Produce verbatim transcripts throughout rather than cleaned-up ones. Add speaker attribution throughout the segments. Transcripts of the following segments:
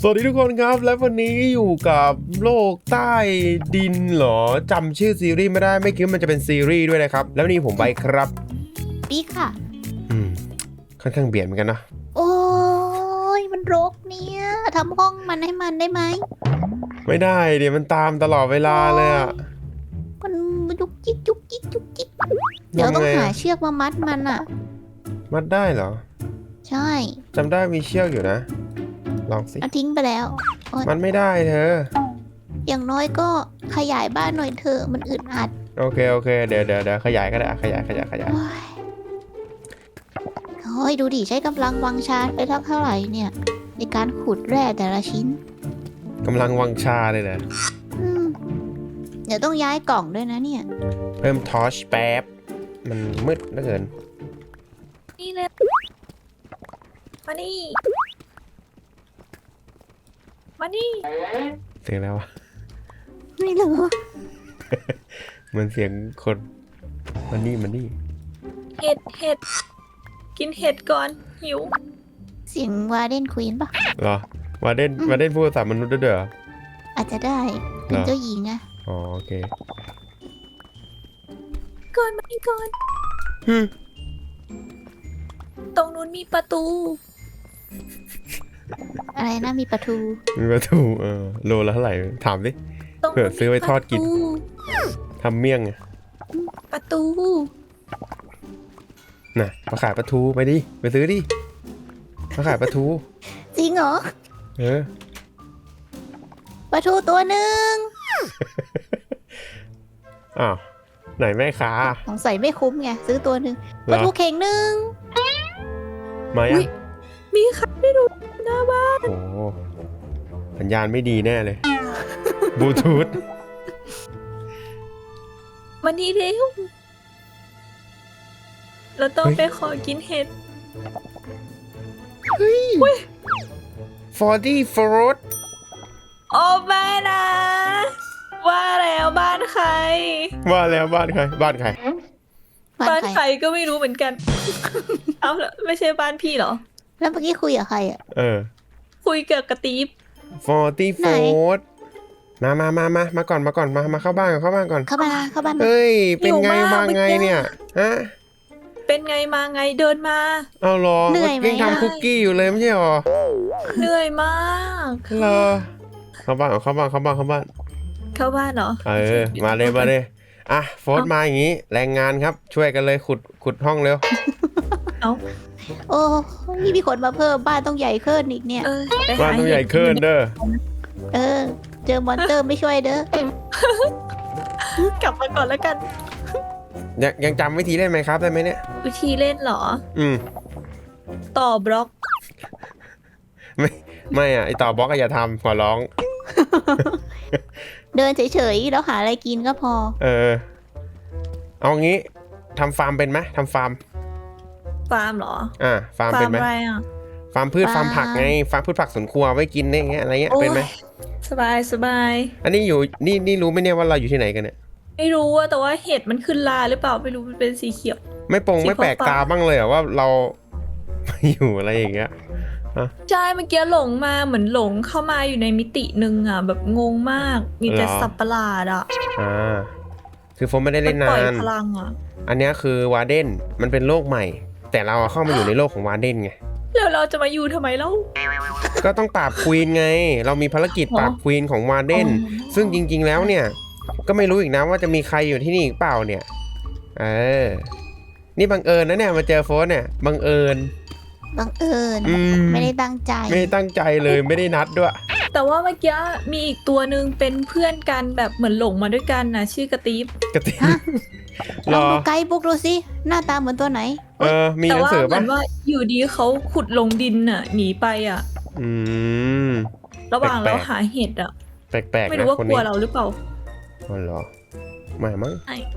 Speaker 1: สวัสดีทุกคนครับและวันนี้อยู่กับโลกใต้ดินเหรอจำชื่อซีรีส์ไม่ได้ไม่คิดว่ามันจะเป็นซีรีส์ด้วยนะครับแล้ววันนี้ผมไปครับ
Speaker 2: ปีค่ะ
Speaker 1: อืมค่อนข้างเบียดเหมือนกันนะ
Speaker 2: โอ้ยมันรกเนี่ยทำห้องมันให้มันได้ไหม
Speaker 1: ไม่ได้เดี๋ยวมันตามตลอดเวลาเลยอ่ะ
Speaker 2: มันยุกจิกยุกจิกยุกจิกเดี๋ยวต้องหาเชือกมามัดมันอ่ะ
Speaker 1: มัดได้เหรอ
Speaker 2: ใช่
Speaker 1: จำได้มีเชือกอยู่นะลองสิ
Speaker 2: เอาทิ้งไปแล้ว
Speaker 1: มันไม่ได้เธอ
Speaker 2: อย่างน้อยก็ขยายบ้านหน่อยเถอะมันอึดอัด
Speaker 1: โอเคโอเคเดี๋ยวเดี๋ยวเดี๋ยวขยายก็ได้ขยายขยายขยาย
Speaker 2: โอ้ยดูดิใช้กำลังวังชาไปทักเท่าไหร่เนี่ยในการขุดแร่แต่ละชิ้น
Speaker 1: กำลังวังชาเลยนะ
Speaker 2: เดี๋ยวต้องย้ายกล่องด้วยนะเนี่ย
Speaker 1: เพิ่มทอร์ชแป๊บมันมืดเหลือเกิน
Speaker 3: นี่เลยมานี่มานี่
Speaker 1: เสียงแล้ววะ
Speaker 2: ไม่รู้
Speaker 1: เหมือนเสียงคนมันนี่มันนี่
Speaker 3: เห็ดเห็ดกินเห็ดก่อนหิว
Speaker 2: เสียงวาเดนควีนปะ
Speaker 1: เหรอวาเดนวาเดนพูดภาษามนุษย์ด้วยเหรอ
Speaker 2: อาจจะได้เป็นเจ้าหญิงนะ
Speaker 1: อ๋อโอเค
Speaker 3: ก่อนมาอีกก่อนตรงนู้นมีประตู
Speaker 2: อะไรนะมีประตู
Speaker 1: มีประตูเออโลละเท่าไหร่ถามดิเผื่อซื้อไว้ทอดกินทำเมี่ยงไง
Speaker 3: ประตู
Speaker 1: น่ะมาขายปลาทูไปดิไปซื้อดิมาขายปลาทู
Speaker 2: จริงเหรอ
Speaker 1: เออ
Speaker 2: ปลาทูตัวหนึ่ง
Speaker 1: อ้าวไหนแม่ค้า
Speaker 2: สงสัยไม่คุ้มไงซื้อตัวหนึ่งปลาทูเข่งหนึ่ง
Speaker 1: มายัง
Speaker 3: มีใครไม่รู้หน้าบ้าน
Speaker 1: โอ้สัญญาณไม่ดีแน่เลยบลูทูธ
Speaker 3: มันดีเร็วเราต้องไปขอกินเห็ด
Speaker 1: เฮ้ยฟอร์ตี้ฟรอต
Speaker 3: โอ้แม่นะว่าแล้วบ้านใคร
Speaker 1: ว่าแล้วบ้านใครบ้านใคร
Speaker 3: บ้านใครก็ไม่รู้เหมือนกันเอาละไม่ใช่บ้านพี่เหรอ
Speaker 2: แล้วเมื่อกี้คุยกับใครอ่ะ
Speaker 1: เออ
Speaker 3: คุยเกี่ยวกับตีฟ
Speaker 1: ฟอร์ตี้ฟรอตมามามามามาก่อนมาก่อนมามาเข้าบ้านก่อนเข้าบ้านก่อน
Speaker 2: เข้าบ้านเข้าบ้าน
Speaker 1: เฮ้ยเป็นไงมาไงเนี่ยฮะ
Speaker 3: เป็นไงมาไงเดินมา
Speaker 1: เอาหรอเหนื่อยไหมยังทำคุกกี้อยู่เลยไม่ใช่หรอ
Speaker 3: เหนื่อยมาก
Speaker 1: เหรอเข้าบ้านเข้าบ้านเข้าบ้านเข้าบ้าน
Speaker 3: เข้าบ้านเหรอ
Speaker 1: เออมาเลยมาเลยอ่ะโฟร์มาอย่างงี้แรงงานครับช่วยกันเลยขุดขุดห้องเร็ว
Speaker 3: เอา
Speaker 2: โอ้นี่มีคนมาเพิ่มบ้านต้องใหญ่ขึ้นอีกเนี่ย
Speaker 1: บ้านต้องใหญ่ขึ้นเด้อ
Speaker 2: เออเจอมอนเตอร์ไม่ช่วยเด้
Speaker 3: อกลับมาก่อนแล้วกัน
Speaker 1: ยังยังจำวิธีเล่นไหมครับได้ไหมเนี่ย
Speaker 3: วิธีเล่นเหรอ
Speaker 1: อืม
Speaker 3: ต่อบล็อก
Speaker 1: ไม่ไม่อ่ะไอต่อบล็อกก็อย่าทำขอร้อง
Speaker 2: เดินเฉยๆแล้วหาอะไรกินก็พอ
Speaker 1: เออเอางี้ทำฟาร์มเป็นไหมทำฟาร์ม
Speaker 3: ฟาร์มเหรอ
Speaker 1: อ่าฟาร์มเป็นไหมฟาร์มพืชฟาร์มผักไงฟาร์มพืชผักสวนครัวไว้กินเนี่ยอะไรเงี้ยเป็นไหม
Speaker 3: สบายสบาย
Speaker 1: อันนี้อยู่นี่นี่รู้ไหมเนี่ยว่าเราอยู่ที่ไหนกันเนี่ย
Speaker 3: ไม่รู้อะแต่ว่าเห็ดมันขึ้นลาหรือเปล่าไม่รู้มันเป็นสีเขียว
Speaker 1: ไม่ปงไม่แปลกตาบ้างเลยอะว่าเราอยู่อะไรอย่างเงี้ย
Speaker 3: ใช่เมื่อกี้หลงมาเหมือนหลงเข้ามาอยู่ในมิติหนึ่งอะแบบงงมากมีแต่สัตว์ประหลาดอะ
Speaker 1: อ่าคือผมไม่ได้เล่นนาน
Speaker 3: พลังอะ
Speaker 1: อันนี้คือวาเดนมันเป็นโลกใหม่แต่เราเข้ามาอยู่ในโลกของวาเดนไง
Speaker 3: แล้วเราจะมาอยู่ทำไมเล่า
Speaker 1: ก็ต้องปราบควีนไงเรามีภารกิจปราบควีนของวาเดนซึ่งจริงๆแล้วเนี่ยก็ไม่รู้อีกนะว่าจะมีใครอยู่ที่นี่อีกเปล่าเนี่ยเออนี่บังเอิญนะเนี่ยมาเจอโฟนเนี่ยบังเอิญ
Speaker 2: บังเอิญไม่ได้ตั้งใจ
Speaker 1: ไม่ได้ตั้งใจเลยไม่ได้นัดด้วย
Speaker 3: แต่ว่าเมื่อกี้มีอีกตัวหนึ่งเป็นเพื่อนกันแบบเหมือนหลงมาด้วยกันนะชื่อกระตีฟ
Speaker 1: กระตีฟ
Speaker 2: ลองดูไกด์บุ๊กดูสิหน้าตาเหมือนตัวไหน
Speaker 1: เออมีหนังสือป่ะ
Speaker 3: แต่ว่าเหมือนว่าอยู่ดีเขาขุดลงดินน่ะหนีไปอ่ะ
Speaker 1: อืม
Speaker 3: ระหว่างเราหาเห็ดอ่ะ
Speaker 1: แปลกๆ
Speaker 3: ไม่รู้ว่ากลัวเราหรือเปล่า
Speaker 1: อ๋อเหรอไม่มั้ง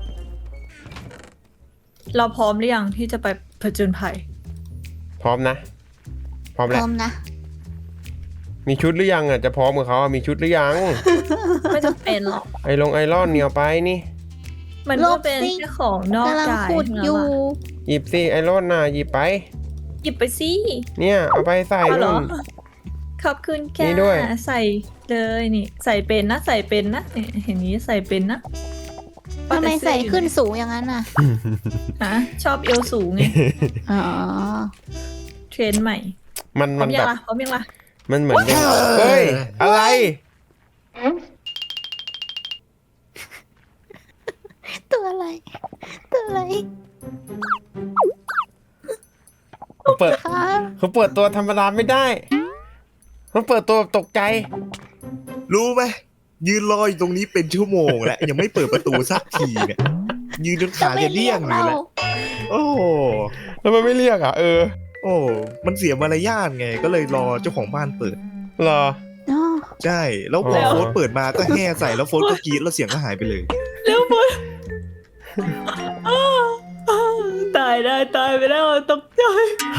Speaker 3: เราพร้อมหรือยังที่จะไปผจญภัย
Speaker 1: พร้อมนะพร้อมแล้ว
Speaker 2: พร้อมนะ
Speaker 1: มีชุดหรือยังอ่ะจะพร้อมกับเขามีชุดหรือยัง
Speaker 3: ไม่จำเป็นหรอก
Speaker 1: ไอลงไอรอนเนี่ยไปนี่
Speaker 3: มันก็เป็นแค่ของนอกกาย
Speaker 2: อยู่
Speaker 1: หยิบสิไอรอนน่ะหยิบไป
Speaker 3: หยิบไปสิ
Speaker 1: เนี่ยเอาไปใส่นู่น
Speaker 3: ขอบคุณแก
Speaker 1: นี่ด้วย
Speaker 3: ใส่เลยนี่ ใส่เป็นนะใส่เป็นนะเนี่ยเห็นนี้ใส่เป็นนะ
Speaker 2: ทำไมใส่ขึ้นสูงอย่างนั้นน่ะ
Speaker 3: ฮะชอบเอวสูงไง
Speaker 2: อ๋อ
Speaker 3: เทรนด์ใหม่
Speaker 1: มัน
Speaker 3: พร้
Speaker 1: มั
Speaker 3: อน ม
Speaker 1: แบ
Speaker 3: ยัง
Speaker 1: บ
Speaker 3: ล่ะพร้อมยังล่ะ
Speaker 1: มันเหมือนเป็นเฮ้ยอะไร
Speaker 2: ตัวอะไร ตัวอะไร
Speaker 1: เขาเปิด
Speaker 2: คะ
Speaker 1: เขาเปิดตัวธรรมดาไม่ได้เขาเปิดตัวแบบตกใจ
Speaker 4: รู้ไหมยืนรออยู่ตรงนี้เป็นชั่วโมงแล้วยังไม่เปิดประตูสักทีเนี่ยยืนจนขาจะเลี่ยงอยู่แล้วโอ้โห
Speaker 1: แล้วมันไม่เรียกอ่ะเออ
Speaker 4: โอ้มันเสียมารยาทไงก็เลยรอเจ้าของบ้านเปิด
Speaker 1: เหรอ
Speaker 2: อ๋อ
Speaker 4: ใช่แล้วพอ
Speaker 1: แล้ว
Speaker 4: โฟนเปิดมาก็แห่ใส่แล้วโฟนก็กรี๊ดแล้วเสียงก็หายไปเลย
Speaker 3: แล้วบนตายได้ตายไปแล้วตกใจ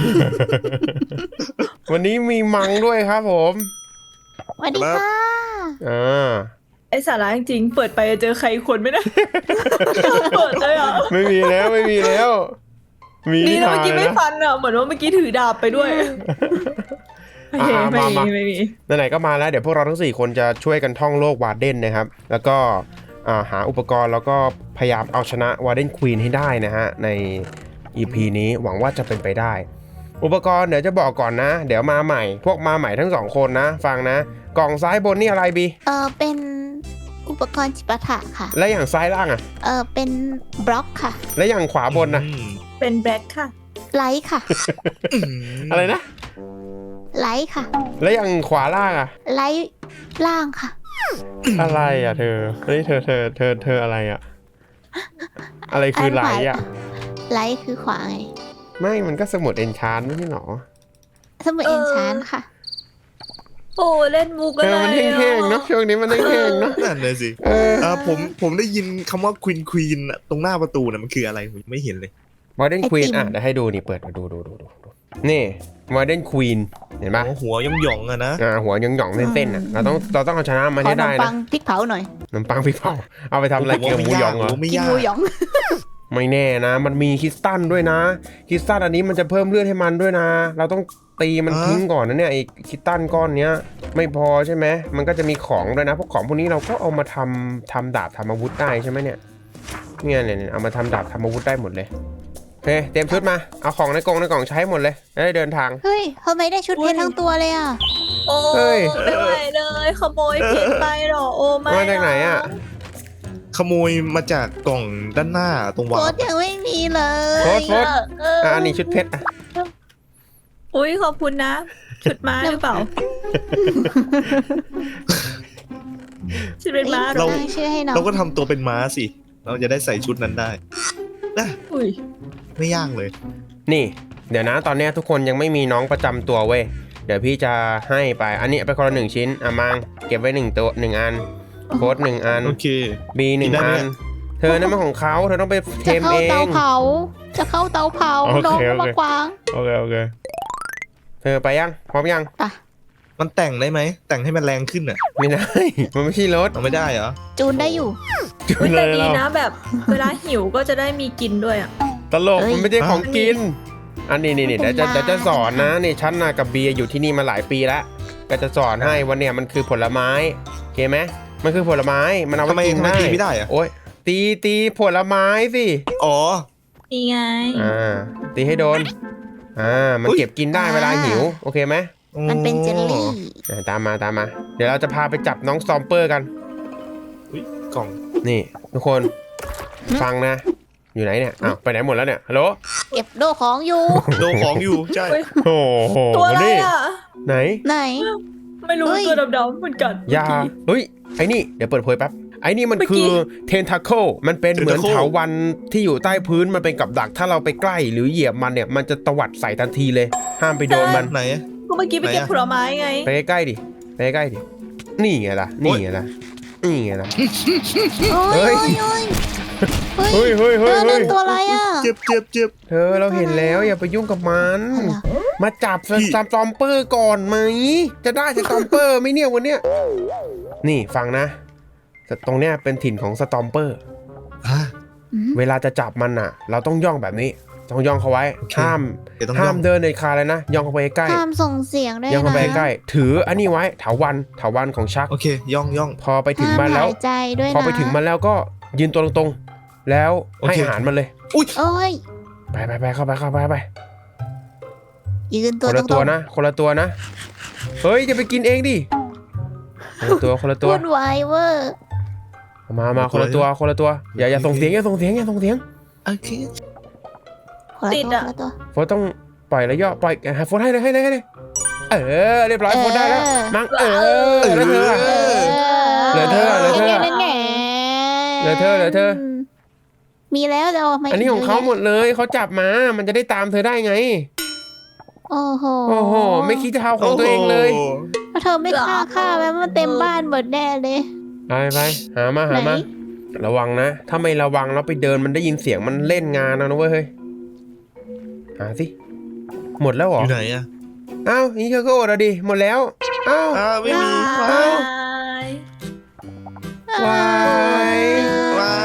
Speaker 1: วันนี้มีมังด้วยครับผม
Speaker 2: สวัสดีค่ะ
Speaker 1: อ่า
Speaker 3: ไอสาระจริงๆเปิดไปจะเจอใครคนไหมนะ เปิดเลยเหรอ่ะ
Speaker 1: ไม่มีแล้วไม่มีแล้ว มี
Speaker 3: นี่
Speaker 1: ที่
Speaker 3: นะ
Speaker 1: ทา
Speaker 3: เมื่อกี้ไม่
Speaker 1: นะ
Speaker 3: ฟันอ่ะเหมือนว่าเมื่อกี้ถือดาบไปด้วยโอเค
Speaker 1: อ่ะ
Speaker 3: ไม่
Speaker 1: มามา
Speaker 3: มีไม่มี
Speaker 1: ไหนๆก็มาแล้วเดี๋ยวพวกเราทั้งสี่คนจะช่วยกันท่องโลกวาร์เดนนะครับ แล้วก็อ่าหาอุปกรณ์แล้วก็พยายามเอาชนะวาร์เดนควีนให้ได้นะฮะใน อี พี นี้หวังว่าจะเป็นไปได้ อุปกรณ์เดี๋ยวจะบอกก่อนนะ เดี๋ยวมาใหม่ พวกมาใหม่ทั้งสองคนนะ ฟังนะ กล่องซ้ายบนนี่อะไรบี
Speaker 2: เออเป็นอุปกรณ์จิปาถะค่ะ
Speaker 1: และอย่างซ้ายล่างอะ
Speaker 2: เออเป็นบล็อกค่ะ
Speaker 1: และอย่างขวาบนนะ
Speaker 4: อืม
Speaker 3: เป็นแบล็คค่ะ
Speaker 2: ไลท์ค่ะ
Speaker 1: อะไรนะ
Speaker 2: ไลท์ค่ะ
Speaker 1: และอย่างขวาล่างอะ
Speaker 2: ไลท์ล่างค่ะ
Speaker 1: อะไรอะเธอเฮ้ยเธอเธอเธอเธออะไรอะอะไรคือไหลอะ
Speaker 2: ไลท์คือขวาไง
Speaker 1: ไม่มันก็สมุดเอนชานไม่ใช่หรอ
Speaker 2: สมุด
Speaker 3: เอ
Speaker 2: เอ
Speaker 3: อ
Speaker 2: นชานค่ะ
Speaker 3: โอ้เล่นมุก
Speaker 1: เอ
Speaker 3: อะไร
Speaker 1: อมันแห้งๆเนาะช่วงนี้มันแห้งๆเนาะ
Speaker 4: นั่นเลยสิ
Speaker 1: เออ
Speaker 4: เออผมผมได้ยินคำว่าควีนควีนตรงหน้าประตูน่ะมันคืออะไรผมไม่เห็นเลย
Speaker 1: โมเดิร์น
Speaker 2: ไอ
Speaker 1: ควีน
Speaker 2: ติม
Speaker 1: อ่ะเดี๋ยวให้ดูนี่เปิดมาดูดูดูดูดูนี่โมเดิร์นควีนเห็นปะ
Speaker 4: อ๋อหัวย่องหยองๆอะนะ
Speaker 1: อ่าหัวหย่องๆเส้นๆอ่ะเราต้องเราต้องเอาชนะมัน
Speaker 2: ขอ
Speaker 1: ให้
Speaker 2: ขน
Speaker 1: ได้
Speaker 2: มปั
Speaker 1: นะ
Speaker 2: งพริกเผาหน่อย
Speaker 1: ขนมปังพี่เผาเอาไปทำอะไรเกี่ยวกับหมูหยองเหรอ
Speaker 4: ผมว่าไม่
Speaker 2: กิน
Speaker 4: ยาก
Speaker 2: หมูหยอง
Speaker 1: ไม่แน่นะ มันมีคริสตัลด้วยนะคริสตัลอันนี้มันจะเพิ่มเลือดให้มันด้วยนะ เราต้องตีมันทิ้งก่อนนะเนี่ยไอ้คริสตัลก้อนเนี้ยไม่พอใช่ไหมมันก็จะมีของด้วยนะพวกของพวกนี้เราก็เอามาทำทำดาบทำอาวุธได้ใช่ไหมเนี่ยเนี่ยเนี่ยเอามาทำดาบทำอาวุธได้หมดเลยโอเคเตรียมชุดมาเอาของในกล่องในกล่องใช้หมดเลยจะได้เดินทาง
Speaker 2: เฮ้ยทำไมได้ชุดเพชรทั้งตัวเลยอ่ะ
Speaker 3: โอ้
Speaker 1: เฮ้ย
Speaker 3: ไม่ไหวเลยขโมยเพชรไปเหรอโอ้ไม่
Speaker 1: มาจากไหนอะ
Speaker 4: ขโมยมาจากกล่องด้านหน้าตรง
Speaker 2: โค
Speaker 4: วา
Speaker 2: ตรยังไม่มีเลย
Speaker 1: โค้ดโค้ด
Speaker 3: เออ
Speaker 1: อ่ะอันนี้ชุดเพชรอ่ะ
Speaker 3: อุ้ยขอบคุณนะ ชุดม้าหรือเปล่าชุดเป็นม้าเหรอ
Speaker 2: ตั้งชื่อให้น้อง
Speaker 4: เราก็ทำตัวเป็นม้าสิ เราจะได้ใส่ชุดนั้นได้นะ
Speaker 3: อุ้ย
Speaker 4: ไม่ยากเลย
Speaker 1: นี่ เดี๋ยวนะตอนเนี้ยทุกคนยังไม่มีน้องประจำตัวเว้ยเดี๋ยวพี่จะให้ไปอันนี้ไปคนละหนึ่งชิ้นอ่ะมังเก็บไว้หนึ่งตัวหนึ่งอันโค้ดหนึ่งอัน
Speaker 4: โอเค
Speaker 1: บีหนึ่ง
Speaker 4: กินได้ไหม
Speaker 1: อัน เธอนั่นมันของเขาเธอต้องไปเท
Speaker 2: จะ
Speaker 1: ม
Speaker 2: เข้า
Speaker 1: เอ
Speaker 2: เตาง เผา จะเข้าเตาเผา
Speaker 1: โอเค
Speaker 2: น้องก็
Speaker 1: โอเค
Speaker 2: มากวาง
Speaker 1: โอเคโอเคเธอไปยังพร้อมยัง
Speaker 2: ป่ะ
Speaker 4: มันแต่งได้ไหม แต่งให้มันแรงขึ้นอ่ะ
Speaker 1: ไม่ได้ มันไม่ใช่รถ
Speaker 4: เอาไม่ได้เหรอ
Speaker 2: จูนได้อยู่
Speaker 1: จุ
Speaker 3: อุ๊ย
Speaker 1: เล
Speaker 3: แต่
Speaker 1: ย
Speaker 3: ดี
Speaker 1: เรา
Speaker 3: นะแบบเวลาหิวก็จะได้มีกินด้วยอ่ะ
Speaker 1: ตลก
Speaker 2: เอ้ย
Speaker 1: มันไม่ใช่ของกิน อันนี้นี่นี่
Speaker 2: ไม่
Speaker 1: เดี๋ยว
Speaker 2: เป็น
Speaker 1: จะ
Speaker 2: ไร
Speaker 1: เดี๋ยวจะสอนนะนี่ฉันน่ะกับเบียร์อยู่ที่นี่มาหลายปีแล้วก็จะสอนให้วันเนี้ยมันคือผลไม้โอเคไหมมันคือผลไม้มันเอา
Speaker 4: ทำไม
Speaker 1: ไปกิน
Speaker 4: ทำไม
Speaker 1: ได้
Speaker 4: ตีไม่ได้อะ
Speaker 1: โอ๊ยตีตีผลไม้สิ
Speaker 4: อ๋อ
Speaker 3: นี่ไง
Speaker 1: อ่าตีให้โดนอ่ามัน
Speaker 4: อุ๊ย
Speaker 1: เก็บกินได้เวลาหิวโอเคไหม
Speaker 2: มันเป็นเจลลี่
Speaker 1: อ่าตามมาตามมา เดี๋ยวเราจะพาไปจับน้องซอมเปอร์กัน
Speaker 4: อุ๊ยกล่อง
Speaker 1: นี่ทุกคนฟังนะ อยู่ไหนเนี่ยอ้าวไปไหนหมดแล้วเนี่ยฮัลโหล
Speaker 2: เก็บโดของอยู่
Speaker 4: โดนของอยู่ ใช่
Speaker 3: เฮ้ย
Speaker 1: โอ้โห
Speaker 3: ตัวอะไร
Speaker 1: นี่
Speaker 3: อ่ะ
Speaker 1: ไหน
Speaker 2: ไหน
Speaker 3: ไม่รู้
Speaker 2: เฮ้ย
Speaker 3: ตัวดำๆเหมือนกัน
Speaker 1: ยาเฮ้ยไอ้นี่เดี๋ยวเปิดเผยแป๊บไอ้นี่มัน
Speaker 3: เมื่อกี้
Speaker 1: คือเทนทาเคิลมันเป็นเหมือน
Speaker 4: Tentacle
Speaker 1: เถาวัลย์ที่อยู่ใต้พื้นมันเป็นกับดักถ้าเราไปใกล้หรือเหยียบมันเนี่ยมันจะตวัดใส่ทันทีเลย ห้ามไปโดนมัน
Speaker 4: ไหนอะ
Speaker 3: ก็เมื่อกี้ไปเก็บ
Speaker 4: ไหนอะ
Speaker 3: ผลไม้ไง
Speaker 1: ไปใกล้ๆดิไปใกล้ๆดินี่ไงล่ะนี่ไงล่ะนี่ไงล่ะ
Speaker 2: โอ้ย
Speaker 1: เฮ้
Speaker 2: โอ้
Speaker 1: ย
Speaker 2: ยโอ้ย
Speaker 1: เฮ้ยเฮ้ย
Speaker 2: เธ
Speaker 1: เฮ้
Speaker 2: อย นั่นตัวอะไรอ่ะ
Speaker 4: เจ็บเจ็บเจ็บ
Speaker 1: เธอเราเห็นแล้วอย่าไปยุ่งกับมัน
Speaker 2: อะไรอะ
Speaker 1: มาจับส
Speaker 4: พี่
Speaker 1: ตอมเปอร์ก่อนไหมจะได้สตอมเปอร์ไหมเนี่ยวันเนี้ยนี่ฟังนะตรงเนี้ยเป็นถิ่นของสตอมเปอร์
Speaker 4: อ่ะ
Speaker 2: อืม
Speaker 1: เวลาจะจับมันอ่ะ เราต้องย่องแบบนี้ต้องย่องเข้าไว้
Speaker 4: โอเค
Speaker 1: ห้าม
Speaker 4: เดี๋ยวต้อง
Speaker 1: ห้า
Speaker 4: ย่อ
Speaker 1: ม
Speaker 4: ง
Speaker 1: เดินในคาเลยนะย่องเข้าไปใกล้
Speaker 2: ห้ามส่งเสียงด้วย
Speaker 1: ย่องเข้า
Speaker 2: นะ
Speaker 1: ไปใกล้ถืออันนี้ไว้เถาวันเถาวันของชัก
Speaker 4: โอเค ย่องย่อง
Speaker 1: พอไปถึง
Speaker 2: ห้าม
Speaker 1: มันแล้ว
Speaker 2: หายใจด้วยนะ
Speaker 1: พอไปถึงมันแล้วก็ยืนตัวตรงๆแล้ว
Speaker 4: โอ
Speaker 1: ให้
Speaker 4: เค
Speaker 1: อาหารมันเลย
Speaker 4: อุ้ย
Speaker 2: โอ้ย
Speaker 1: ไปไปไปเข้าไปเข้าไปไป
Speaker 2: ยืน
Speaker 1: ค
Speaker 2: ตัวน ตร
Speaker 1: ละตัว
Speaker 2: ง
Speaker 1: นะคนละตัวนะเฮ้ยจะไปกินเองดิคนละตัวคนละ
Speaker 2: ๆ
Speaker 1: ตัว
Speaker 2: พูดไวเวอร์
Speaker 1: มามาคนละตัวคนละตัวอย่าอย่าส่งเสียงอย่าส่งเสียงอย่าส่งเสียง
Speaker 4: โอเค
Speaker 2: คนละ
Speaker 3: ติด
Speaker 2: ตัว
Speaker 3: อะ
Speaker 2: คนละตัว
Speaker 1: โฟนต้องปล่อยแล้วย่อปล่อยหาโฟนให้เลยให้เลยให้เลยเออเรียบร้อยโฟนได้แล้วมั้งเออแล้วเธออะ เหลือเธอเหลือเธอ
Speaker 2: นั่นไง
Speaker 1: เหลือเธอเหลือเธอ
Speaker 2: มีแล้วจะเอามา
Speaker 1: อันนี้ของเขาหมดเลยเขาจับมามันจะได้ตามเธอได้ไง
Speaker 2: โอ้โห
Speaker 1: โอ้โหไม่คิดจะเอาของตัวเองเลย
Speaker 4: โโห
Speaker 2: แล้วเธอไม่ฆ่าฆ่าไว้มันเต็มบ้านหมดแน่เลย
Speaker 1: ไปไปหามาหามา
Speaker 2: ไหน
Speaker 1: ระวังนะ ถ้าไม่ระวังแล้วไปเดินมันได้ยินเสียงมันเล่นงานนะนะเว้ยเฮ้ยหาสิหมดแล้วเหร
Speaker 4: อ
Speaker 1: อยู่
Speaker 4: ไหนอะ
Speaker 1: อ้าวนี่เธอก็อดอะดิหมดแล้วอ้าว
Speaker 4: อ้าวไม่มี
Speaker 1: เอ้า
Speaker 3: บาย
Speaker 1: วาย
Speaker 4: ว้าย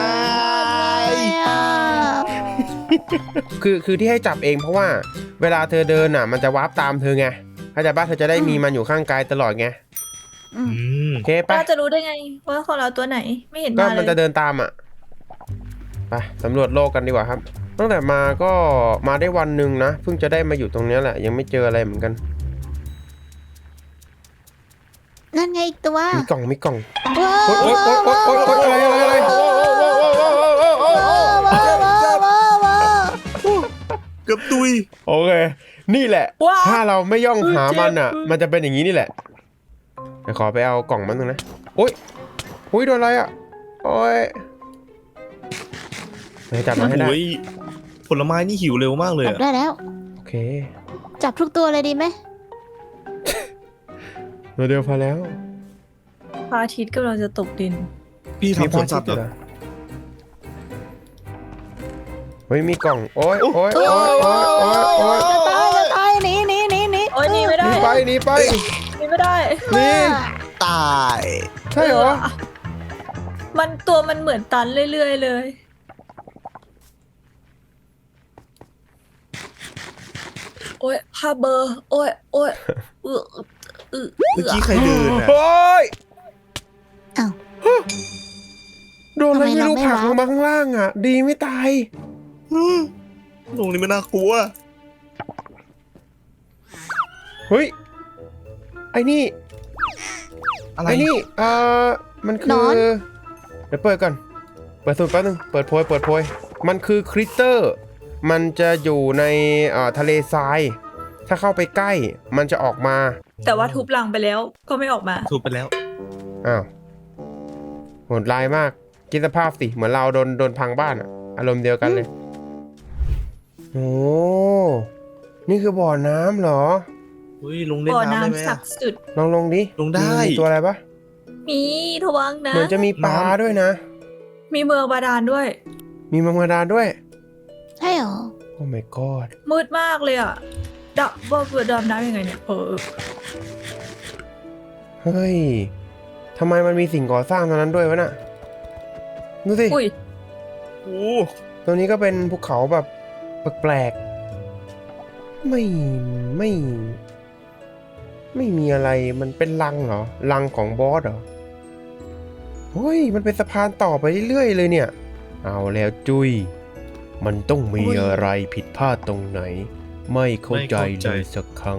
Speaker 1: คือคือที่ให้จับเองเพราะว่า เวลาเธอเดินอ่ะ มันจะวาร์ปตามเธอไงเข้าใจป่ะเธอจะได้มีมันอยู่ข้างกายตลอดไง
Speaker 2: อืม
Speaker 4: อืม
Speaker 1: โอเคไป
Speaker 3: ป้าจะรู้ได้ไงว่าของเราตัวไหนไม่เห็น
Speaker 1: ก็
Speaker 3: มาเล
Speaker 1: มัน
Speaker 3: ย
Speaker 1: จะเดินตามอ่ะไปสำรวจโลกกันดีกว่าครับ ตั้งแต่มาก็มาได้วันหนึ่งนะเพิ่งจะได้มาอยู่ตรงเนี้ยแหละยังไม่เจออะไรเหมือนกัน
Speaker 2: นั่นไงอีกตัว
Speaker 1: มีกล่องมีกล่อง
Speaker 2: ว้าว
Speaker 1: โอ๊ยโอ๊ยโอ๊ยโอ๊ยโอ๊ยโอ๊ยอะไรอะไรอะไร
Speaker 4: เกือบตุย
Speaker 1: โอเคนี่แหละ
Speaker 3: ว้าว
Speaker 1: ถ้าเราไม่ย่องหามันอ่ะ
Speaker 3: เจ็บ
Speaker 1: มันจะเป็นอย่างนี้นี่แหละเดี๋ยวขอไปเอากล่องมันหนึงนะโอ๊ยโอ๊ยโดนอะไรอ่ะโอ๊ยเดี๋ยวจับมาให้ได้
Speaker 4: โอ้ยผลไม้นี่หิวเร็วมากเลย
Speaker 2: จับ
Speaker 4: อะ
Speaker 2: ได้แล้ว
Speaker 1: โอเค
Speaker 2: จับทุกตัวเลยดีไหม
Speaker 1: ตัวเดียวพอแล้ว
Speaker 3: พระอาทิตย์กำลังจะตกดิน
Speaker 4: พี่
Speaker 1: มี
Speaker 4: ทำสวนสัตว์
Speaker 1: เห
Speaker 4: เห
Speaker 1: ร
Speaker 4: ร
Speaker 1: อ
Speaker 4: อ
Speaker 1: เฮ้ยมีกล่องโอ๊ยโอ๊ยโอ๊ยโอ๊ยโอ๊ยโอ๊ย
Speaker 2: จะตายจะตายหนีหนีหนีหนี
Speaker 3: โอ้ยหนีไม่
Speaker 1: ห
Speaker 3: ได้
Speaker 1: นีไปหนีไป
Speaker 3: หนีไม่ได้
Speaker 1: หนี่
Speaker 4: ตาย
Speaker 1: ใช่เหรอ
Speaker 3: มันตัวมันเหมือนตันเรื่อยๆเลย โอ้ยพาเบอร์ โอ้ยโอ้ยเออเออ
Speaker 4: เมื่อกี้ใครเดินอะ
Speaker 1: โอ๊ย
Speaker 2: อ้าว
Speaker 1: โดนอะไรไม่รู้
Speaker 2: ทำไม
Speaker 1: ผลัก
Speaker 2: เราไม่
Speaker 1: ลงมาข้างล่างอ่ะ ดีไม่ตาย
Speaker 4: อืมตรงนี้ไม่น่ากลัว
Speaker 1: เฮ้ย ไอ้นี่
Speaker 4: อะไร
Speaker 1: ไอ้นี่ เอ่อ มันคื
Speaker 2: น
Speaker 1: อ
Speaker 2: อน
Speaker 1: เดี๋ยวเปิดก่อน เปิดสูตรแป๊บนึง เปิดโพย เปิดโพย มันคือคริสเตอร์ มันจะอยู่ในเอ่อทะเลทราย ถ้าเข้าไปใกล้ มันจะออกมา
Speaker 3: แต่ว่าทุบลังไปแล้วก็ไม่ออกมา
Speaker 4: ถูกไปแล้ว
Speaker 1: อ้าวโหดร้ายมาก คิดสภาพสิ เหมือนเราโดนโดนพังบ้านอะอารมณ์เดียวกันเลย โอ้ นี่คือบ่อน้ำเหรอ
Speaker 4: เฮ้ยลงเล่น
Speaker 3: บ่อ
Speaker 4: น้ำได้ไหม
Speaker 3: น้ำศั
Speaker 4: อะ
Speaker 3: กดิ์สิทธิ์
Speaker 1: ลองลงดิ
Speaker 4: ลงได้
Speaker 1: มีตัวอะไรปะ
Speaker 3: มีทวังนะ
Speaker 1: เหมือนจะมีปลา
Speaker 4: น้ำ
Speaker 1: ด้วยนะ
Speaker 3: มีเมืองบาดาลด้วย
Speaker 1: มีมังกรดาด้วย
Speaker 2: ใช่เหรอ
Speaker 1: โอ้ my god
Speaker 3: มืดมากเลยอ่ะดับว่าเกิดดำน้ำยังไงเนี่ยเออ
Speaker 1: เฮ้ย ทำไมมันมีสิ่งก่อสร้างตรงนั้นด้วยวะน่ะ ดูสิ
Speaker 3: อุ้ย
Speaker 4: โอ้
Speaker 1: ตรงนี้ก็เป็นภูเขาแบบแปลกๆ ไม่ ไม่ ไม่มีอะไร มันเป็นรังเหรอ รังของบอสเหรอ เฮ้ย มันเป็นสะพานต่อไปเรื่อยๆเลยเนี่ย เอาแล้วจุ้ย มันต้องมีอะไรผิดพลาดตรงไหน ไม่เข้าใจเลยสักครั้ง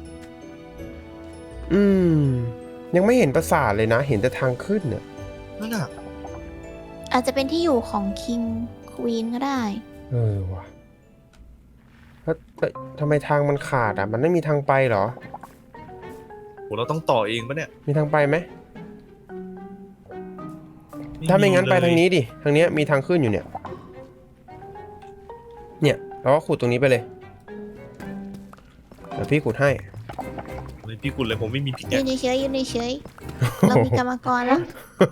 Speaker 1: อืม ยังไม่เห็นปราสาทเลยนะ เห็นแต่ทางขึ้นเนี่ย
Speaker 4: นั่นอะ
Speaker 2: อาจจะเป็นที่อยู่ของคิงควีนก็ได้
Speaker 1: เออว่ะแล้วแต่ทำไมทางมันขาดอ่ะ มันไม่มีทางไปเหรอ
Speaker 4: โหเราต้องต่อเองปะเนี่ย
Speaker 1: มีทางไปไหม ถ้าไม่งั้นไปทางนี้ดิ ทางเนี้ยมีทางขึ้นอยู่เนี่ย เนี่ยเราก็ขุดตรงนี้ไปเลย เดี๋ยวพี่ขุดให้
Speaker 4: เลยพี่กุลเลยผมไม่มีพิก
Speaker 2: ยื
Speaker 4: แก
Speaker 2: นเฉยๆยืนเฉยๆเรามีกรรมกรแล้ว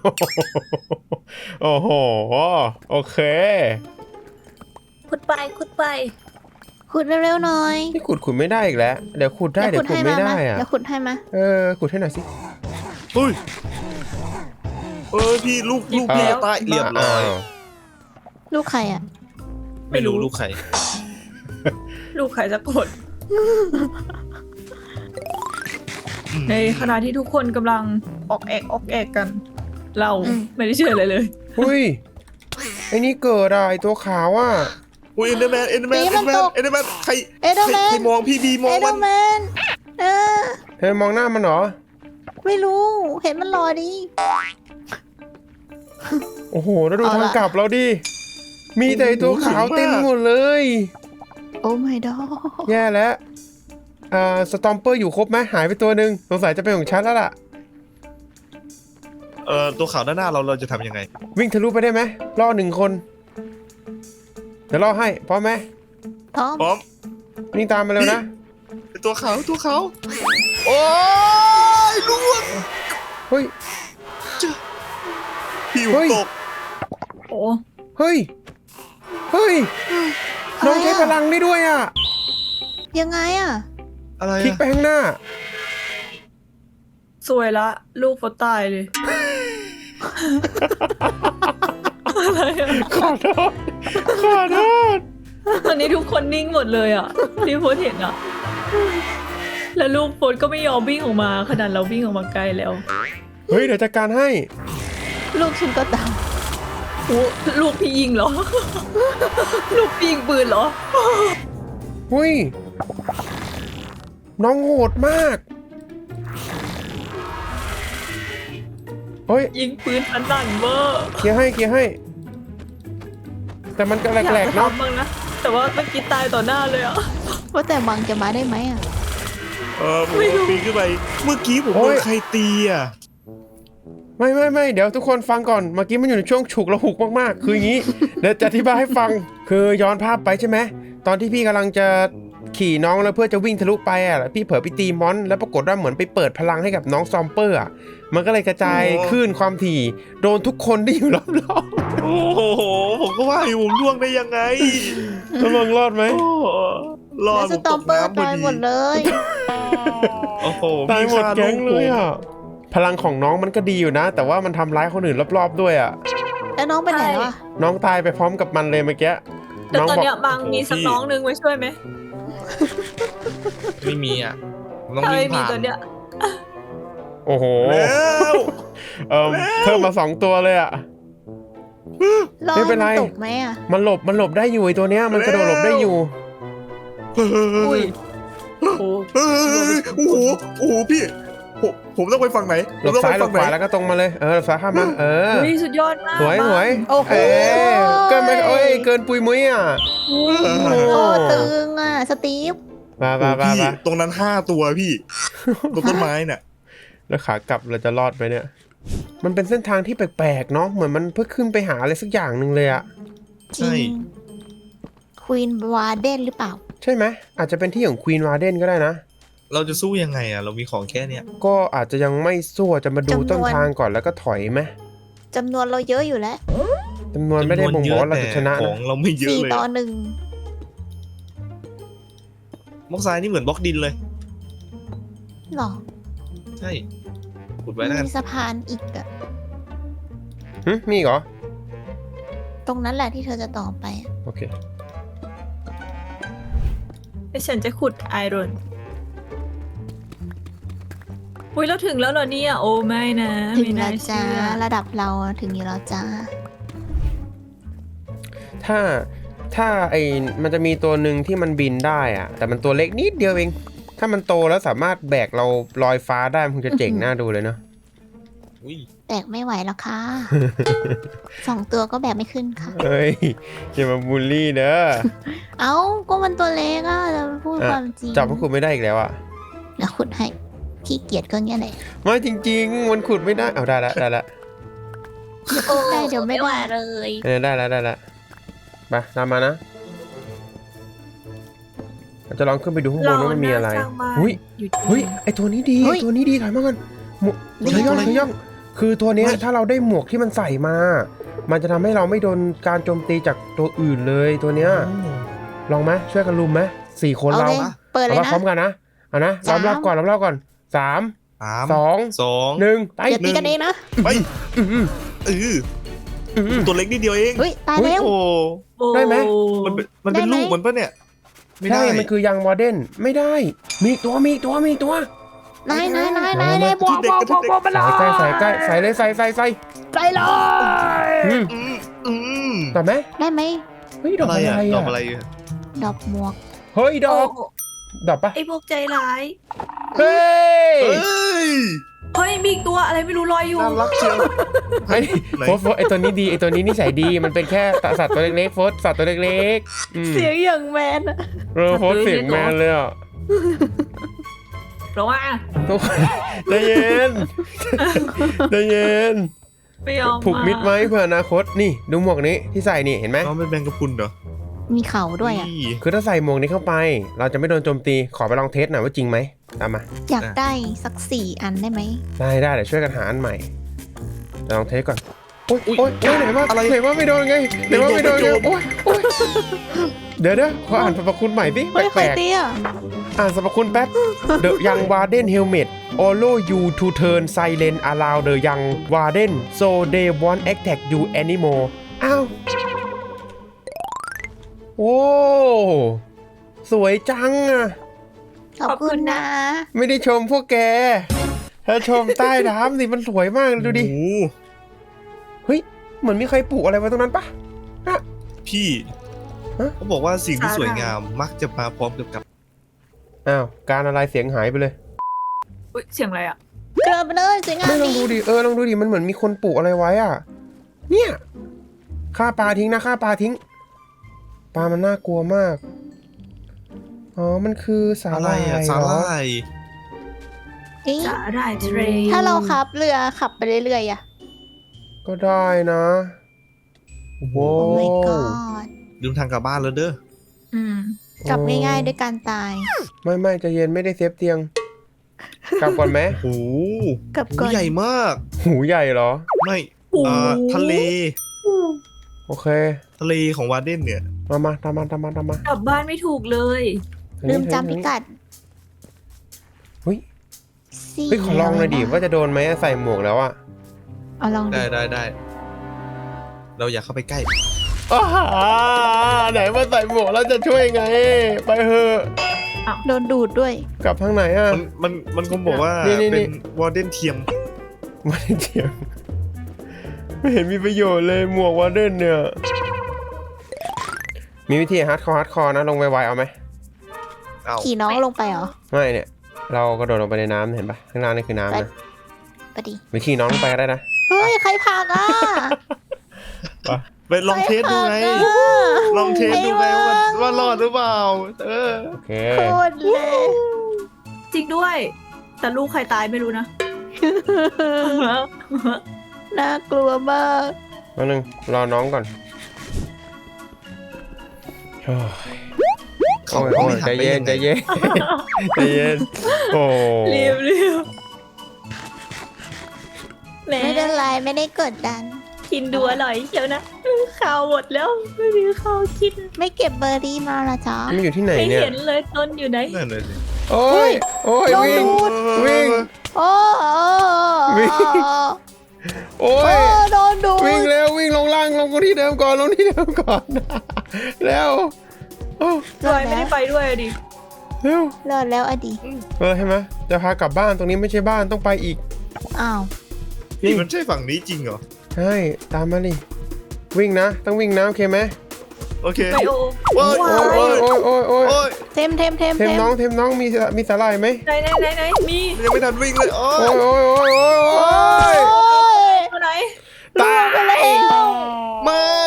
Speaker 1: โอ้โห โอเค
Speaker 3: ขุดไปขุดไป
Speaker 2: ขุดเร็วๆหน่อย
Speaker 1: นี่ขุดขุดไม่ได้อีกแล้ว เดี๋ยวขุดได้เดี๋ยวขุดไม่ได้อ่ะ
Speaker 2: เดี๋ยวขุดให้มา
Speaker 1: เออ ขุดให้หน่อยสิ
Speaker 4: เฮ้ยเออพี่ลูกลูก
Speaker 3: หยิบ
Speaker 4: พี่
Speaker 3: แล้ว
Speaker 4: ตายเรียบร้อย
Speaker 1: าว
Speaker 2: ลูกใครอ่ะ
Speaker 4: ไม่รู้ลูกใคร
Speaker 3: ลูกใครจะกดในขณะที่ทุกคนกำลังออกแอกออกแอกกัน เราไม่ได้เชื่ออะไรเลย
Speaker 1: อุ้ยไอ้นี่เกิดอะไอตัวขาวอ่ะ
Speaker 4: อุ้ยเอ็นเดอร์แมนเอ็นเดอร์แมน
Speaker 2: นี่
Speaker 4: เอ็น
Speaker 2: มั
Speaker 4: เด
Speaker 2: น
Speaker 4: อร์แม
Speaker 2: ต
Speaker 4: น
Speaker 2: ก
Speaker 4: เอ็นเดอร์แมนใคร
Speaker 2: เอเดอร์แมน
Speaker 4: ใครมองพี่บีม
Speaker 2: เอ
Speaker 4: อง
Speaker 2: เด
Speaker 4: มั
Speaker 2: อน ร์แมนเออ
Speaker 1: เธอมองหน้ามันเหรอ
Speaker 2: ไม่รู้ เห็นมันรอดี
Speaker 1: โอ้โหแล้วดู
Speaker 2: เอา
Speaker 1: ทาง
Speaker 2: ล่ะ
Speaker 1: กลับเราดิ มีแต่ไอ้ตัวขาวเต็มหมดเลย
Speaker 2: โอ้ my god
Speaker 1: แย่แล้วอ่าสตอมเปอร์อยู่ครบไหมหายไปตัวหนึ่งสงสัยจะเป็นของฉันแล้วล่ะ
Speaker 4: เอ่อตัวขาวด้านหน้าเราเราจะทำยังไง
Speaker 1: วิ่งทะลุไปได้ไหมล่อหนึ่งคน เดี๋ยวล่อให้พร้อมไหม
Speaker 2: พร้อม
Speaker 4: พร้อม
Speaker 1: วิ่งตามมาเร็วนะ
Speaker 4: ตัวขาวตัวขาวโอ้ยล่วง
Speaker 1: เฮ้ย
Speaker 4: ผิว
Speaker 1: เฮ้ย
Speaker 4: ตก
Speaker 3: โอ้
Speaker 1: เฮ้ย เฮ้ย น้องใช้พลังได้ด้วยอ่ะ
Speaker 2: ยังไงอ่ะ
Speaker 4: อะไร
Speaker 1: คลิก
Speaker 4: อะ
Speaker 1: ไปข้างหน้า
Speaker 3: สวยละ ลูกโฟตายเลย อะไรอะ
Speaker 1: ขอโทษ ขอโทษ
Speaker 3: ตอนนี้ทุกคนนิ่งหมดเลยอ่ะที่โฟตเห็นอ่ะ แล้วลูกโฟตก็ไม่ยอมวิ่งออกมาขนาดเราวิ่งออกมาไกลแล้ว
Speaker 1: เฮ้ย เดี๋ยวจัดการให้
Speaker 2: ลูกฉันก็ตาม
Speaker 3: โอ้ลูกพี่ยิงเหรอ ลูกพี่ยิงปืนเหรอ
Speaker 1: หุ้ย น้องโหดมาก เฮ้ย
Speaker 3: ยิงปืนอันนั่นเวอร์
Speaker 1: เคลียร์ให้เคลียร์ให้ แต่มันก็แหล
Speaker 3: อยาก
Speaker 1: ก
Speaker 3: จะ
Speaker 1: ๆเนาะ
Speaker 3: ทำบ้างนะ แต่ว่าเมื่อกี้ตายต่อหน้าเลยอ่ะ
Speaker 2: ว่าแต่บังจะมาได้ไหมอ่ะ
Speaker 4: เออผม
Speaker 3: ไม่รู้
Speaker 4: ปีนขึ้นไป เมื่อกี้ผม
Speaker 1: โอ้
Speaker 4: โด
Speaker 1: ย
Speaker 4: นใครตีอ่ะ
Speaker 1: ไม่ไม่ไม่เดี๋ยวทุกคนฟังก่อน เมื่อกี้มันอยู่ในช่วงฉุกระหุกมากๆ คืออย่างนี้ เดี๋ยวจะอธิบายให้ฟัง คือย้อนภาพไปใช่ไหม ตอนที่พี่กำลังจะขี่น้องแล้วเพื่อจะวิ่งทะลุไปอ่ะแล้วพี่เผลอไปตีมอน แล้วปรากฏว่าเหมือนไปเปิดพลังให้กับน้องซอมเปอร์อ่ะ มันก็เลยกระจาย
Speaker 4: โอ้
Speaker 1: คลื่นความถี่ โดนทุกคนที่อยู่รอบ
Speaker 4: โอ้โห ผมก็ว่าอยู่ผมล่วงได้ยังไง
Speaker 1: ๆตกลงรอดไหม
Speaker 4: โอ้รอ
Speaker 2: แล้
Speaker 4: ด
Speaker 2: ว
Speaker 4: ผ
Speaker 2: ส
Speaker 4: ม
Speaker 2: ต
Speaker 4: ต
Speaker 2: อม
Speaker 4: ก
Speaker 2: เปอร์
Speaker 4: น้ำพอ
Speaker 2: ตาย
Speaker 4: ดี
Speaker 2: หมดเลย
Speaker 4: โอ้โห
Speaker 1: ตายหมด
Speaker 4: ฆ่
Speaker 1: แก๊งเลยอ่ะ
Speaker 4: ผม
Speaker 1: พลังของน้องมันก็ดีอยู่นะ แต่ว่ามันทำร้ายคนอื่นรอบๆด้วยอ่ะ
Speaker 2: แล้วน้องไปไหนแล้วอ่ะ
Speaker 1: น้องตายไปพร้อมกับมันเลยเมื่อกี้
Speaker 3: แต่
Speaker 1: น้อง
Speaker 3: ตอน
Speaker 1: บอก
Speaker 3: เนี้ยบางมีสักน้องนึงไว้ช่วยไหม
Speaker 4: ไม่มีอ่ะผมต้อง
Speaker 3: ถ้า
Speaker 4: วิ่
Speaker 3: ไม่
Speaker 4: ง
Speaker 3: มี
Speaker 4: ผ่าน
Speaker 3: ตัวเนี้ย
Speaker 1: โอ้โห
Speaker 4: แล้ว
Speaker 1: เอ่อเพิ่มมาสองตัวเลยอ่ะ
Speaker 2: รอ
Speaker 1: ไม่
Speaker 2: ให้
Speaker 1: เป็นไร
Speaker 2: มันตกไหมอ่ะ
Speaker 1: มันหลบมันหลบได้อยู่ไอ้ตัวเนี้ยมันกระโดดหลบได้อยู่
Speaker 3: อุ้ยโอ้โห
Speaker 4: เฮ้ยโอ้โหโอ้โหพี่ผมผมต้องไปฝั่งไหน
Speaker 1: หลบซ้ายหลบขวาแล้วก็ตรงมาเลยเออหลบซ้ายข้ามมาเออ
Speaker 3: อุ้ยสุดยอดมาก
Speaker 1: สวยสวย
Speaker 2: โอ้โห
Speaker 1: เอ้ยเกินไปเอ้ยเกินปุยมุ้ยอ่ะ
Speaker 2: โอ้ตึงอ่ะ สตีฟ
Speaker 1: มา
Speaker 4: โอ้
Speaker 1: มา
Speaker 4: โห
Speaker 1: มา
Speaker 4: พี่
Speaker 1: มา
Speaker 4: ตรงนั้นห้าตัวพี่ตรงต้นไม้น่ะ
Speaker 1: แล้วขากลับเราจะรอดไหมเนี่ย มันเป็นเส้นทางที่แปลกๆเนาะเหมือนมันเพิ่งขึ้นไปหาอะไรสักอย่างหนึ่งเลยอะ
Speaker 2: จริงควีนวาเดนหรือเปล่า
Speaker 1: ใช่ไหมอาจจะเป็นที่ของควีนวาเดนก็ได้นะ
Speaker 4: เราจะสู้ยังไงอ่ะ เรามีของแค่เนี้ย
Speaker 1: ก็อาจจะยังไม่สู้จะมาดู
Speaker 2: จำนวน
Speaker 1: ต้นทางก่อนแล้วก็ถอยไหม
Speaker 2: จำนวนเราเยอะอยู่แล้ว
Speaker 1: จำนวนไม่ได้บ่งบอกว่าเราจะชนะ
Speaker 4: ข
Speaker 1: นะ
Speaker 4: องเราไม่เยอะ
Speaker 2: สี่
Speaker 4: เลย
Speaker 2: ต่อ
Speaker 4: อะ
Speaker 2: หนึ่ง
Speaker 4: บล็อกทรายนี่เหมือนบล็อกดินเลย
Speaker 2: หรอ
Speaker 4: ใช่ขุดไว้แล้วกัน
Speaker 2: มีสะพานอีกอะ
Speaker 1: หึมีอีกเหรอ
Speaker 2: ตรงนั้นแหละที่เธอจะต่อไปอะ
Speaker 1: โอเค
Speaker 3: แล้วฉันจะขุดไอรอนอุ้ยเราถึงแล้วเหรอเนี่ยโอ้ไม่นะ
Speaker 2: ถึ
Speaker 3: ไม่
Speaker 2: งแล้
Speaker 3: น่าว
Speaker 2: จ้า
Speaker 3: เชื่อ
Speaker 2: ระดับเราอะถึงอยู่แล้วจ้า
Speaker 1: ถ้าถ้าไอ้มันจะมีตัวหนึ่งที่มันบินได้อะแต่มันตัวเล็กนิดเดียวเอง ถ้ามันโตแล้วสามารถแบกเราลอยฟ้าได้มันคงจะเจ๋งน่าดูเลยเนาะ
Speaker 4: อุ้ย
Speaker 2: แบกไม่ไหวแล้ว ค่ะ สองตัวก็แบกไม่ขึ้นค่ะ
Speaker 1: เฮ้ยอย่ามาบูลลี่เด้อ
Speaker 2: เอ้าก็มันตัวเล็กอะจะพูด
Speaker 1: อ่ะ
Speaker 2: ความจริง
Speaker 1: จับมันขุดไม่ได้อีกแล้วอะ
Speaker 2: เดี๋ยวขุดให้ขี้เกียจก็เงี้ยแหละ
Speaker 1: ไม่จริง ๆ มันขุดไม่ได้เอาได้ละได้ละ
Speaker 2: ได้เดี๋ยวไม่ได้
Speaker 3: เลย
Speaker 1: เออได้แล้วได้แล้วไปตามมานะเราจะลองขึ้นไปดูข้างบนว่ามันมีอะไร
Speaker 3: เราน่าสร้างบ้าน
Speaker 1: หุ้ย
Speaker 3: อยู่
Speaker 1: เฮ้ยไอตัวนี้ดี
Speaker 2: เฮ้ย
Speaker 1: ตัวนี้ดีถอยมากันหมวกขย่องขย่องคือตัวเนี้ยถ้าเราได้หมวกที่มันใส่มา มันจะทำให้เราไม่โดนการโจมตีจากตัวอื่นเลยตัวเนี้ยลองไหมช่วยกันลุมไหมสี่คน
Speaker 2: เอา
Speaker 1: เรา
Speaker 2: เลยเปิดเล
Speaker 1: เอา
Speaker 2: ย
Speaker 1: มา
Speaker 2: นะ
Speaker 1: พร้อมกันนะเอานะร
Speaker 2: สา
Speaker 1: อ
Speaker 2: ม
Speaker 1: บรอบก่อนรอบรอบก่อนสาม
Speaker 4: สาม
Speaker 1: สอง
Speaker 4: สอง
Speaker 1: หนึ่งไป
Speaker 2: อย่าตีกันเองนะ
Speaker 4: ไป
Speaker 1: อื้อหือ
Speaker 4: เออ
Speaker 1: อื้อหือ
Speaker 4: ตัวเล็กนิดเดียวเอง
Speaker 2: เฮ้ยตายแล้ว
Speaker 4: โอ้
Speaker 3: โอ้
Speaker 1: ได้ไหม
Speaker 4: มันเป็นมันเป็น
Speaker 2: ได้ไหม
Speaker 4: ลูกมันปะเนี่ยไม่ได้
Speaker 1: ใช่มันคือยังวอร์เดนไม่ได้ มีอีกตัวมีอีกตัวมีอีกตัวน
Speaker 2: ายนายนายนายนายบอกบอกบอกบอกมาเล
Speaker 1: ใส่
Speaker 2: ย
Speaker 1: ใกล้ใส่ใกล้ใส่เลยใส่ใส่ใส่
Speaker 2: ใส่เลย
Speaker 1: อืม
Speaker 4: อืมอืม
Speaker 1: ตอบไหม
Speaker 2: ได้ไหม
Speaker 1: เฮ้ยดอก
Speaker 4: อะไร
Speaker 1: อะไร
Speaker 4: อ่ะดอ
Speaker 1: อ่ะ
Speaker 4: กอะไรอ่ะ
Speaker 2: ดอกหมวก
Speaker 1: เฮ้ยดอก
Speaker 3: โอ้
Speaker 1: ดอกปะ
Speaker 3: ไอพวกใจร้าย
Speaker 1: เฮ้ย
Speaker 4: เฮ้ย
Speaker 3: เฮ้ยมีอีกตัวอะไรไม่รู้ลอยอยู่
Speaker 4: น่ารักเชียว
Speaker 1: ไอ้
Speaker 4: ไหน
Speaker 1: โฟสโฟสไอตัวนี้ดีไอตัวนี้นิสัยดีมันเป็นแค่สัตว์ตัวเล็กๆโฟสสัตว์ตัวเล็กๆอืม
Speaker 3: เสียงอย่างแมนอะ
Speaker 1: เออโฟสเสียงแมนเลยอ่ะ
Speaker 3: เพราะว่า
Speaker 1: ทุกคนใจเย็นใจเย็น
Speaker 3: ไม่ยอม
Speaker 1: ผูกมิดไว้เพื่ออนาคตนี่ดูหมวกนี้ที่ใส่นี่เห็นไหม
Speaker 4: น้องเป็นแมงกะพรุนเหรอ
Speaker 2: มีเขาด้วยอ่ะ
Speaker 4: นี่
Speaker 1: คือถ้าใส่หมวกนี้เข้าไป เราจะไม่โดนโจมตีขอไปลองเทสหน่อยว่าจริงไหมตามมา
Speaker 2: อยากได้สักสี่อันได้ไหม
Speaker 1: ได้ได้เดี๋ยวช่วยกันหาอันใหม่เดี๋ยวลองเทสก่อนโอ๊ยโอ๊ยโอ๊ยไหนว่า
Speaker 4: อะไร
Speaker 1: ไหนว่าไม่โดนไงไหนว่าไม่โดนไงโอ๊ยโอ๊ยเดี๋ยวเดี๋ยวขออ่านสรรพคุณใหม่ดิ
Speaker 2: เฮ้ยใค
Speaker 1: แป
Speaker 2: ร
Speaker 1: ลก
Speaker 2: เตี้ย
Speaker 1: ๆอ่านสรรพคุณแป๊บ The Young Warden Helmet allow you to turn silent around the Young Warden so they won't attack you anymore อ้าวโอ้สวยจังอะ
Speaker 2: ขอบคุณนะ
Speaker 1: ไม่ได้ชมพวกแกเธอชมใต้น้ำสิมันสวยมากเลยดูดิ
Speaker 4: โอ้โห
Speaker 1: เฮ้ยเหมือนมีใครปลูกอะไรไว้ตรงนั้นปะ
Speaker 4: พี่
Speaker 1: ฮะ
Speaker 4: เขาบอกว่าสิ่งที่สวยงามมักจะมาพร้อมกับกับ
Speaker 1: อ้าวการอะไรเสียงหายไปเลย
Speaker 3: อุ๊ยเสียงอะไรอ่ะ
Speaker 2: เกินไปเลยสวยงาม
Speaker 1: ไม่ลอง
Speaker 2: ดี
Speaker 1: ดูดิเออลองดูดิมันเหมือนมีคนปลูกอะไรไว้อ่ะ เนี่ยฆ่าปลาทิ้งนะฆ่าปลาทิ้งปลามันน่ากลัวมากอ๋อมันคือสา
Speaker 4: อะ
Speaker 1: ห
Speaker 4: ไร
Speaker 1: ร่าย
Speaker 4: อ่ะ
Speaker 1: เห
Speaker 4: สาร
Speaker 1: อ
Speaker 4: ลาย
Speaker 2: เอ๊ะ
Speaker 3: สาหร่ายทะเล
Speaker 2: ถ้าเราขับเรือขับไปเรื่อยๆอ่ะ
Speaker 1: ก็ได้นะโว้
Speaker 2: โอ้ my god
Speaker 4: ลืมทางกลับบ้านแล้วเด้อ
Speaker 3: อืม
Speaker 2: กลับง่ายๆด้วยการตาย
Speaker 1: ไม่ไม่ใจะเย็นไม่ได้เซฟเตียง กลับก่อนไหม
Speaker 4: โอ้โห
Speaker 2: กลับ
Speaker 4: หู
Speaker 2: ก่อน
Speaker 4: ใหญ่มาก
Speaker 1: หูใหญ่เหรอ
Speaker 4: ไม่อ่าทะเล
Speaker 1: โอเค
Speaker 4: ทะเลของวาร์เดนเนี่ย
Speaker 1: มามาตามมาตามมาตามมาก
Speaker 3: ลับบ้านไม่ถูกเลย
Speaker 1: ทาง
Speaker 2: ลื
Speaker 1: นี้
Speaker 2: ม
Speaker 1: ทาง
Speaker 2: จำพิ
Speaker 1: นี้
Speaker 2: กัด
Speaker 1: เฮ้ย
Speaker 2: สี่
Speaker 1: เฮ้ยขอลองหน่อยดิว่าจะโดนไหมใส่หมวกแล้วอะ
Speaker 2: เอาลองดิ
Speaker 4: ได้ได้ได้ เราอยากเข้าไปใกล้
Speaker 1: อ้าไหนมาใส่หมวกแล้วจะช่วยไง ไปเถอะ
Speaker 2: โดนดูดด้วย
Speaker 1: กลับทางไหนอะ
Speaker 4: มันมันมันคงบอกว่า
Speaker 1: นี่นี่นี่
Speaker 4: เป็นวอร์เดนเทียม
Speaker 1: ไม่ได้เถียงไม่เห็นมีประโยชน์เลยหมวกวาร์เดนเนี่ย มีวิธีฮาร์ดคอร์ฮาร์ดคอร์นะลงไวๆเอาไหม
Speaker 4: เอา
Speaker 2: ขี่น้องลงไปเหรอ
Speaker 1: ไม่เนี่ย เรากระโดดลงไปในน้ำเห็นปะข้างล่างนี่คือน้ำนะ
Speaker 2: ไปดิ
Speaker 1: วิธีน้องลงไปก็ได้นะ
Speaker 2: เฮ้ย ใครพากอ่ะ
Speaker 4: ไปลองเทสดูไง
Speaker 2: ใครพากอะ
Speaker 4: ลองเทสดูไง
Speaker 2: ไอ้
Speaker 4: ว่า
Speaker 2: เวิร์ก
Speaker 4: ว่ารอดหรือเปล่า เออ
Speaker 1: โอเค
Speaker 2: โคตรเลย
Speaker 3: จริงด้วย แต่ลูกใครตายไม่รู้นะ
Speaker 2: น่ากลัวมาก
Speaker 1: แป๊บนึงรอน้องก่อนโอ้ยโอ้ยโอ้ยใจเย็นใจเย็นใจเย็นโอ้
Speaker 3: รีบรีบแหม
Speaker 2: ไม่เป็นไรไม่ได้กดดัน
Speaker 3: กินดูอร่อยเชียวนะข้าวหมดแล้วไม่มีข้าวกิน
Speaker 2: ไม่เก็บเบอร์รี่มาละจ๊ะ
Speaker 1: มันอยู่ที่ไหน
Speaker 3: ไม่
Speaker 1: เนี่ย
Speaker 3: เห็นเลยต้นอยู่ไหน
Speaker 4: นั่นเลยสิ
Speaker 1: โอ้ยโอ้ย
Speaker 2: โดน
Speaker 1: วิ่ง
Speaker 2: ดูด
Speaker 1: วิ่ง
Speaker 2: โอ้โอ้
Speaker 1: วิ่ง โอ้
Speaker 2: โอ้
Speaker 1: ย
Speaker 2: โดนดูด
Speaker 1: วิ่งเร็ววิ่งลงล่างลงที่เดิมก่อนลงที่เดิมก่อนแล้วโอ้
Speaker 3: รอยไม่ได้ไปด้วยดิ
Speaker 1: เร็ว
Speaker 2: รอดแล้วอดี
Speaker 1: เออใช่ไหมจะพากลับบ้านตรงนี้ไม่ใช่บ้านต้องไปอีก
Speaker 2: อ้าว
Speaker 4: นี่มันใช่ฝั่งนี้จริงเหรอ
Speaker 1: ใช่ตามมาดิวิ่งนะต้องวิ่งนะโอเคไหม
Speaker 4: โอเค
Speaker 3: ไปโอ
Speaker 4: โอ้ย
Speaker 1: โอ้ยโอ้ยโอ้ยโอ้ยโอ้ย
Speaker 4: โอ้ย
Speaker 2: เทมเทมเทม
Speaker 1: เทมน้องเทมน้องมีมีสาหร่ายไหม
Speaker 3: ไหนไหนไหนไหนมี
Speaker 4: ยังไม่ทันวิ่งเลย โอ้
Speaker 1: โอ้
Speaker 4: ย
Speaker 1: ยโอ้ยโอ้ยโอ้ยโอ้ย
Speaker 3: ตัวไหน
Speaker 1: ตาย
Speaker 2: ไปแล้ว
Speaker 4: ไม่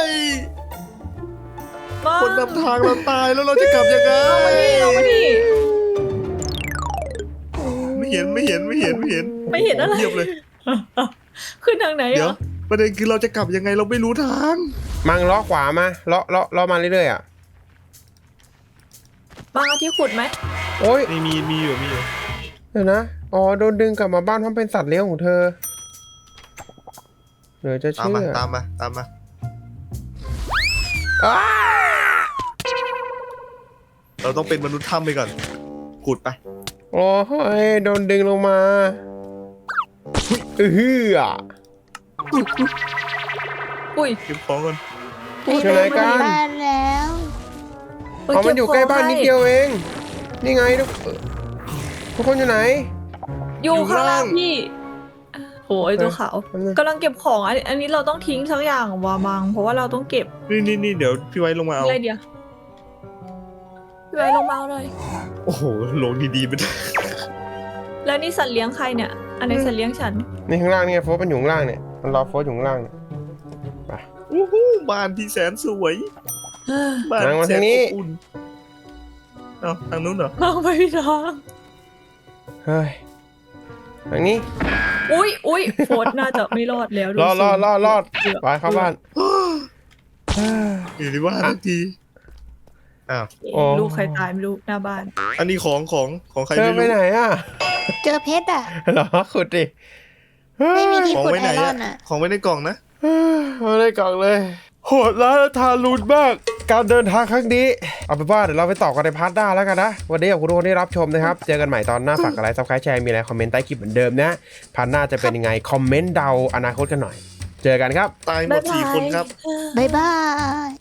Speaker 3: มา
Speaker 4: คนนำทางเราตายแล้วเราจะกลับยังไง
Speaker 3: เอามานี่เอามานี่
Speaker 4: ไม่เห็นไม่เห็นไม่เห็นไม่เห็น
Speaker 3: ไม่เห็นอะไร
Speaker 4: เงียบเลย
Speaker 3: ขึ้นทางไหน
Speaker 4: เดี๋
Speaker 3: เห
Speaker 4: ย
Speaker 3: ร
Speaker 4: ว
Speaker 3: อ
Speaker 4: ประเด็นคือเราจะกลับยังไงเราไม่รู้ทาง
Speaker 1: มังล้อขวามาล้อล้อล้อมาเรื่อยๆอ่ะ
Speaker 3: บางเอาที่ขุดไหม
Speaker 1: โอ้ย
Speaker 4: มีมีมีอยู่มีอยู่
Speaker 1: เดี๋ยวนะอ๋อโดนดึงกลับมาบ้านเพราะเป็นสัตว์เลี้ยงของเธอเดี๋ยวจะ
Speaker 4: ตาม
Speaker 1: เชื่
Speaker 4: มา
Speaker 1: อ
Speaker 4: ตามมาตามมา
Speaker 1: อ้า
Speaker 4: เราต้องเป็นมนุษย์ถ้ำไปก่อนขุดไป
Speaker 1: โอ้ยโดนดึงลงมาเออฮืออ่ะ
Speaker 3: อุ้ย
Speaker 4: เก็บของก่อน
Speaker 1: อยู่ไหนกัน
Speaker 2: บ้านแล้ว
Speaker 3: ไป
Speaker 1: อ๋อมันอยู่
Speaker 3: เขง
Speaker 1: ใกล้บ้าน
Speaker 3: ให้
Speaker 1: นิดเดียวเอง นี่ไงทุกทุกคนอยู่ไหน
Speaker 3: อยู่ข้างล่างพี่โอ้ยตัวขาว
Speaker 1: แป๊บนึง
Speaker 3: กำลังเก็บของอันอันนี้เราต้องทิ้งสักอย่างวามังเพราะว่าเราต้องเก็บ
Speaker 4: นี่นี่นี่เดี๋ยวพี่ไว้ลงมาเอา
Speaker 3: อะไรเดียวพี่ไว้ลงมาเอาเลย
Speaker 4: โอ้โหลงดีๆไป
Speaker 3: แล้วนี่สัตว์เลี้ยงใครเนี่ย อันไหนสัตว์เลี้ยงฉัน
Speaker 1: นี่ข้างล่างนี่ไงโฟสมันอยู่ข้างล่างเนี่ย มันรอโฟสอยู่ข้างล่างเนี่ย
Speaker 4: อู้หูบ้านที่แสนสวยบ้าน
Speaker 1: นั่งมา
Speaker 4: แส
Speaker 1: ทาน งนี้
Speaker 4: อบอุ่นเอ้าทางนู้นเหรอ
Speaker 3: มองไปพี่ทาง
Speaker 1: เฮ้ยทางนี้
Speaker 3: อุ้ยอุ้ยโฟดน่าจะไม่รอดแล้ว
Speaker 1: รอดรอดรอดรอด
Speaker 3: เกืบ
Speaker 1: ไปเข้าบ้าน
Speaker 4: อยู่ที่บ้านทันทีอ้าว
Speaker 1: โอ้
Speaker 3: ลูกใครตายไม่รู้หน้าบ้าน
Speaker 4: อันนี้ของของของใคร
Speaker 1: เธอ
Speaker 4: ไม่
Speaker 1: ไป
Speaker 4: รู้
Speaker 1: ไหนอ่ะ
Speaker 2: เจอเพชรอ่ะ
Speaker 1: เหรอขุดดิ
Speaker 2: ไม่มีที่
Speaker 4: ของ
Speaker 2: ขุด
Speaker 4: ไว้
Speaker 2: ไอ
Speaker 4: ไหน
Speaker 2: รอ
Speaker 4: อะ
Speaker 2: นอ่ะ
Speaker 4: ของไว้ในกล่องนะ
Speaker 1: เอาได้กล่องเลย โหดร้ายและทารุณมาก การเดินทางครั้งนี้ เอาเป็นว่าเดี๋ยวเราไปต่อกันในพาร์ทหน้าแล้วกันนะ วันนี้ขอบคุณทุกคนที่รับชมนะครับ เจอกันใหม่ตอนหน้าฝากอะไรซับสไครต์แชร์มีอะไรคอมเมนต์ใต้คลิปเหมือนเดิมนะ พาร์ทหน้าจะเป็นยังไงคอมเมนต์เดาอนาคตกันหน่อย เจอกันครับ
Speaker 4: ตายหมดสี่คนครับ
Speaker 2: บ๊ายบาย